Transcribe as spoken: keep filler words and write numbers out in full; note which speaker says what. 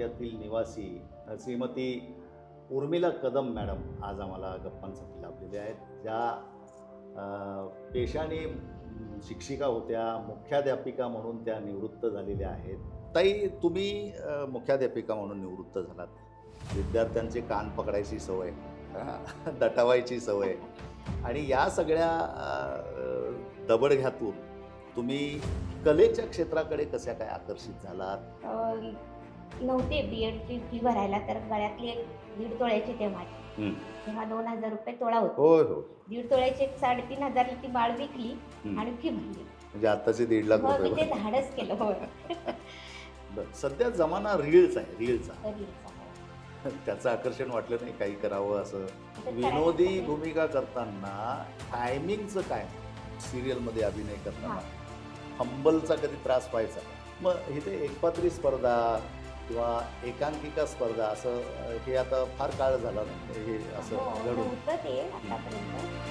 Speaker 1: तालुक्यातील निवासी श्रीमती उर्मिला कदम मॅडम आज आम्हाला गप्पांसाठी लाभलेले आहेत, ज्या अ, पेशाने शिक्षिका होत्या, मुख्याध्यापिका म्हणून त्या निवृत्त झालेल्या आहेत. ताई, तुम्ही अ, मुख्याध्यापिका म्हणून निवृत्त झालात. विद्यार्थ्यांचे कान पकडायची सवय, हां, दटावायची सवय आणि या सगळ्या अ, दबडघ्यातून तुम्ही कलेच्या क्षेत्राकडे कशा काय आकर्षित झालात?
Speaker 2: अ, नव्हते बी एडची फी भरायला, तर गळ्यातली एक दीड तोळ्याची तेव्हा
Speaker 1: हं.
Speaker 2: तेव्हा दोन हजार रुपये तोळा होता.
Speaker 1: होय हो.
Speaker 2: दीड तोळ्याची एक साडेतीन हजारला ती बाळ विकली
Speaker 1: हं.
Speaker 2: आणि फी भरली.
Speaker 1: म्हणजे आत्ताचे दीड लाख
Speaker 2: मग मी ते
Speaker 1: रुपये.
Speaker 2: धाडस केलं. होय.
Speaker 1: बरं, सध्या जमाना रील्स आहे, रील्सचा.
Speaker 2: रील्स आहे.
Speaker 1: त्याचं आकर्षण वाटलं नाही काही करावं असं?
Speaker 2: आता
Speaker 1: विनोदी
Speaker 2: करायचं.
Speaker 1: भूमिका करताना टायमिंगचं काय? सिरियलमध्ये अभिनय करताना हंबलचा कधी त्रास व्हायचा का? मग इथे एकपात्री स्पर्धा किंवा एकांकिका स्पर्धा असं अ, हे आता फार काळ झाला ना हे असं
Speaker 2: हो,
Speaker 1: घडून.
Speaker 2: नव्हतं ते आतापर्यंत.